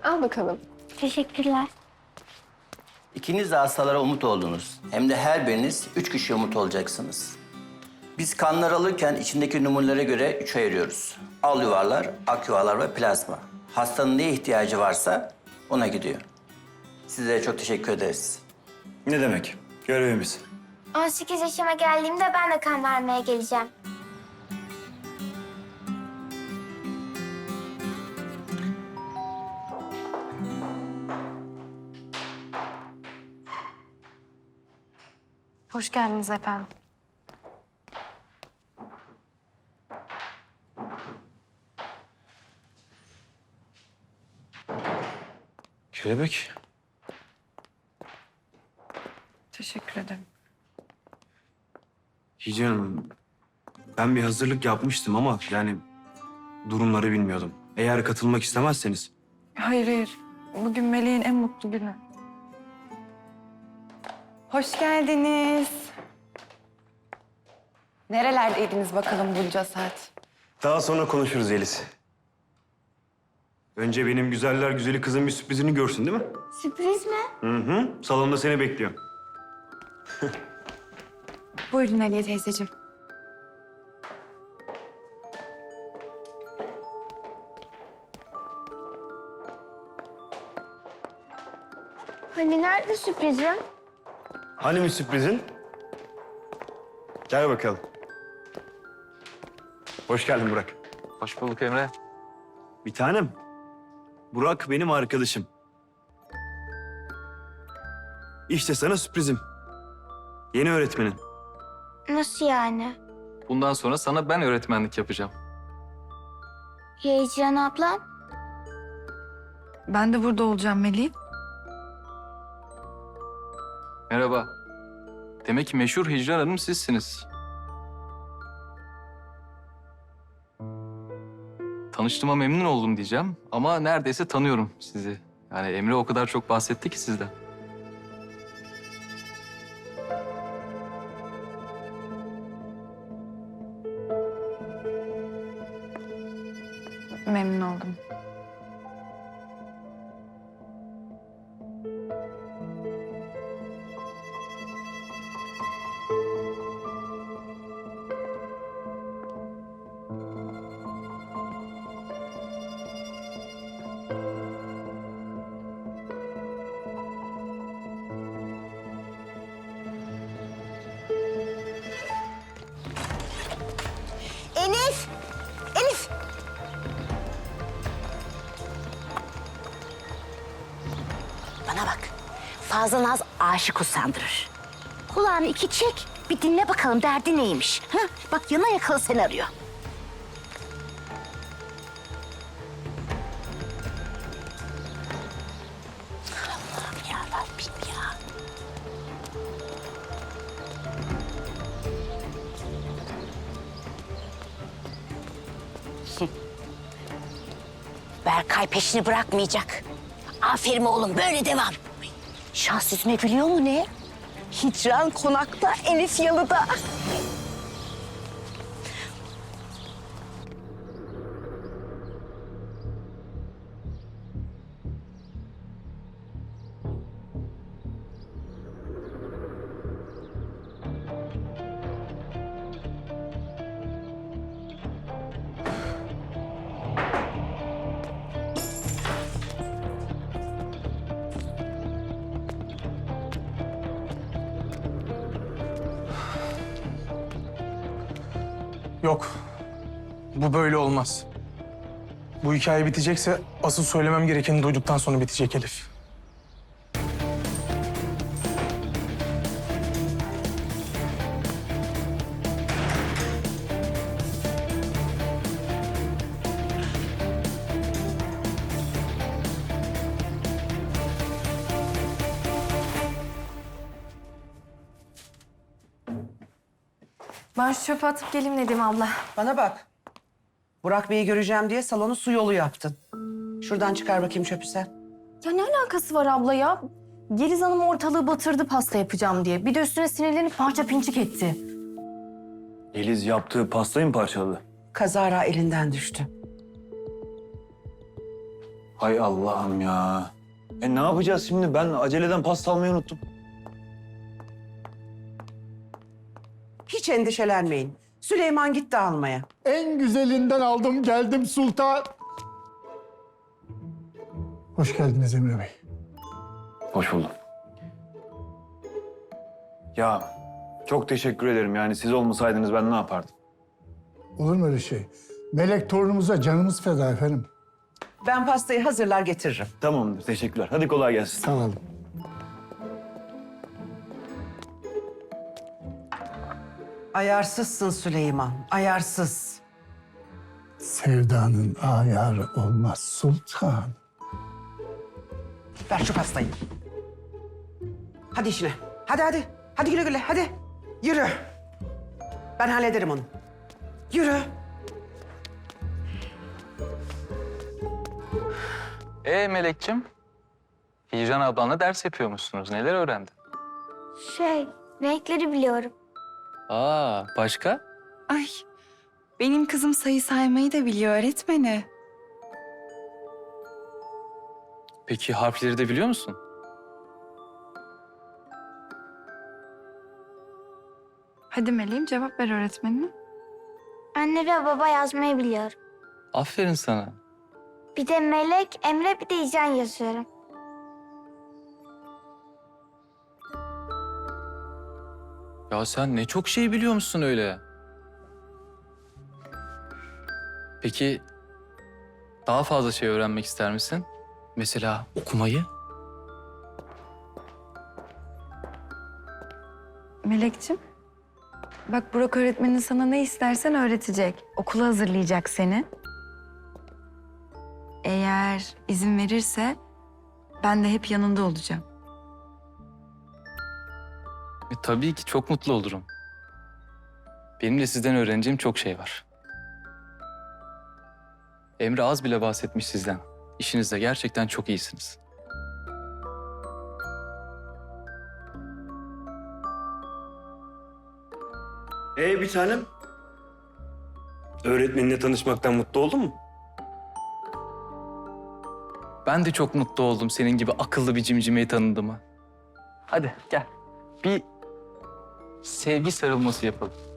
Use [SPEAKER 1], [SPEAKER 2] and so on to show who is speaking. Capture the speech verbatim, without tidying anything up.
[SPEAKER 1] Al bakalım.
[SPEAKER 2] Teşekkürler.
[SPEAKER 3] İkiniz de hastalara umut oldunuz. Hem de her biriniz üç kişi umut olacaksınız. Biz kanlar alırken içindeki numunelere göre üç ayırıyoruz. Al yuvarlar, ak yuvarlar ve plazma. Hastanın neye ihtiyacı varsa ona gidiyor. Size çok teşekkür ederiz.
[SPEAKER 4] Ne demek? Görevimiz.
[SPEAKER 2] on sekiz yaşıma geldiğimde ben de kan vermeye geleceğim.
[SPEAKER 5] Hoş geldiniz efendim.
[SPEAKER 4] Kelebek.
[SPEAKER 5] Teşekkür ederim.
[SPEAKER 4] Hici Hanım, ben bir hazırlık yapmıştım ama yani durumları bilmiyordum. Eğer katılmak istemezseniz.
[SPEAKER 5] Hayır hayır. Bugün Meleğin en mutlu günü. Hoş geldiniz. Nerelerdeydiniz bakalım bunca saat?
[SPEAKER 4] Daha sonra konuşuruz Yeliz. Önce benim güzeller güzeli kızın bir sürprizini görsün değil mi?
[SPEAKER 2] Sürpriz mi?
[SPEAKER 4] Hı hı. Salonda seni bekliyor.
[SPEAKER 5] Buyurun Aliye teyzeciğim.
[SPEAKER 2] Hani nerede sürprizim?
[SPEAKER 4] Hani mi sürprizin? Gel bakalım. Hoş geldin Burak.
[SPEAKER 6] Hoş bulduk Emre.
[SPEAKER 4] Bir tanem. Burak benim arkadaşım. İşte sana sürprizim. Yeni öğretmenin.
[SPEAKER 2] Nasıl yani?
[SPEAKER 6] Bundan sonra sana ben öğretmenlik yapacağım.
[SPEAKER 2] Ya Hicran ablam?
[SPEAKER 5] Ben de burada olacağım Melih.
[SPEAKER 6] Merhaba. Demek ki meşhur Hicran Hanım sizsiniz. Tanıştığıma memnun oldum diyeceğim ama neredeyse tanıyorum sizi. Yani Emre o kadar çok bahsetti ki sizden.
[SPEAKER 5] Memnun oldum.
[SPEAKER 7] Elif! Elif! Bana bak. Fazla naz aşık usandırır. Kulağını iki çek, bir dinle bakalım derdi neymiş. Ha? Bak yana yakalı seni arıyor. Allah'ım yarabbim ya. Berkay peşini bırakmayacak. Aferin oğlum, böyle devam. Şans yüzme biliyor mu ne? Hicran konakta, Elif yalıda.
[SPEAKER 8] Yok. Bu böyle olmaz. Bu hikaye bitecekse asıl söylemem gerekeni duyduktan sonra bitecek Elif.
[SPEAKER 5] Ben şu çöpe atıp geleyim Nedim abla.
[SPEAKER 9] Bana bak. Burak Bey'i göreceğim diye salonu su yolu yaptın. Şuradan çıkar bakayım çöpü sen.
[SPEAKER 10] Ya ne alakası var abla ya? Yeliz Hanım ortalığı batırdı pasta yapacağım diye. Bir de üstüne sinirlenip parça pinçik etti.
[SPEAKER 4] Yeliz yaptığı pastayı mı parçaladı?
[SPEAKER 9] Kazara elinden düştü.
[SPEAKER 4] Hay Allah'ım ya. E ne yapacağız şimdi? Ben aceleden pasta almayı unuttum.
[SPEAKER 9] Hiç endişelenmeyin. Süleyman gitti almaya.
[SPEAKER 1] En güzelinden aldım geldim sultan. Hoş geldiniz Emre Bey.
[SPEAKER 4] Hoş buldum. Ya çok teşekkür ederim. Yani siz olmasaydınız ben ne yapardım?
[SPEAKER 1] Olur mu öyle şey? Melek torunumuza canımız feda efendim.
[SPEAKER 9] Ben pastayı hazırlar getiririm.
[SPEAKER 4] Tamamdır, teşekkürler. Hadi kolay gelsin.
[SPEAKER 1] Sağ olun.
[SPEAKER 9] Ayarsızsın Süleyman, ayarsız.
[SPEAKER 1] Sevdanın ayarı olmaz sultan.
[SPEAKER 9] Ver şu pastayı. Hadi işine. Hadi hadi. Hadi güle güle hadi. Yürü. Ben hallederim onu. Yürü.
[SPEAKER 6] Ee Melek'cim, Hicran ablanla ders yapıyormuşsunuz. Neler öğrendin?
[SPEAKER 2] Şey, renkleri biliyorum.
[SPEAKER 6] Aa, başka?
[SPEAKER 5] Ay, benim kızım sayı saymayı da biliyor öğretmeni.
[SPEAKER 6] Peki harfleri de biliyor musun?
[SPEAKER 5] Hadi Meleğim cevap ver öğretmenine.
[SPEAKER 2] Anne ve baba yazmayı biliyorum.
[SPEAKER 6] Aferin sana.
[SPEAKER 2] Bir de Melek, Emre, bir de İcan yazıyorum.
[SPEAKER 6] Ya sen ne çok şey biliyormuşsun öyle. Peki daha fazla şey öğrenmek ister misin? Mesela okumayı?
[SPEAKER 5] Melek'ciğim, bak Burak öğretmenin sana ne istersen öğretecek. Okula hazırlayacak seni. Eğer izin verirse ben de hep yanında olacağım.
[SPEAKER 6] E, tabii ki çok mutlu olurum. Benim de sizden öğreneceğim çok şey var. Emre az bile bahsetmiş sizden. İşinizde gerçekten çok iyisiniz.
[SPEAKER 4] Ee bir tanem. Öğretmeninle tanışmaktan mutlu oldun mu?
[SPEAKER 6] Ben de çok mutlu oldum senin gibi akıllı bir cimcimeyi tanıdığıma. Hadi gel. Bir sevgi sarılması yapalım.